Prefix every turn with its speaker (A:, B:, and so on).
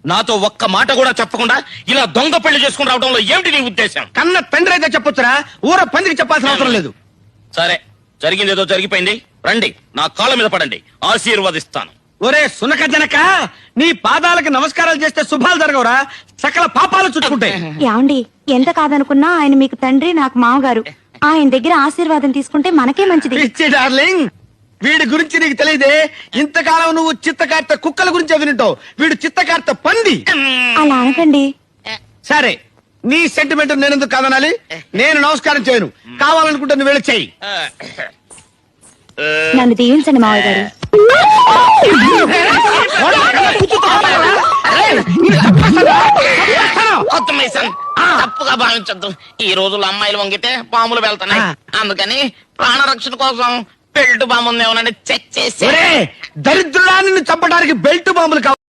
A: నాతో ఒక్క మాట కూడా చెప్పకుండా ఇలా దొంగ పెళ్లి చేసుకుని రావడంలో ఏమిటి నీ ఉద్దేశం?
B: కన్న తండ్రి అయితే చెప్పొచ్చురా, ఊర పందికి చెప్పాల్సిన అవసరం లేదు.
A: సరే, జరిగింది ఏదో జరిగిపోయింది. రండి, నా కాళ్ళ మీద పడండి, ఆశీర్వదిస్తాను.
B: ఒరే సునక జనక, నీ పాదాలకు నమస్కారాలు చేస్తే శుభాలు జరగవురా, సకల పాపాలు చుట్టుకుంటాయి.
C: యాండి, ఎంత కాదనుకున్నా ఆయన మీకు తండ్రి, నాకు మామగారు. ఆయన దగ్గర ఆశీర్వాదం తీసుకుంటే మనకే మంచిది.
B: పిచ్చి డార్లింగ్, వీడి గురించి నీకు తెలియదే. ఇంతకాలం నువ్వు చిత్తకార్త కుక్కల గురించి వింటావు, వీడు చిత్తకార్త పంది.
C: అలా అనకండి.
B: సరే, నీ సెంటిమెంట్ నేనెందుకు కాదనాలి? నేను నమస్కారం చేయను, కావాలనుకుంటే నువ్వు వెళ్ళి చెయ్యి.
C: నన్ను దీవించండి మావయ్య గారు.
A: తప్పుగా భావించద్దు. ఈ రోజుల్లో అమ్మాయిలు వంగితే పాములు వెళ్తున్నాయి. అందుకని ప్రాణరక్షణ కోసం బెల్ట్ బాంబు ఉందేమోనని చెక్ చేసి.
B: దరిద్రుడా, నిన్ను చంపడానికి బెల్ట్ బాంబులు కావాలి.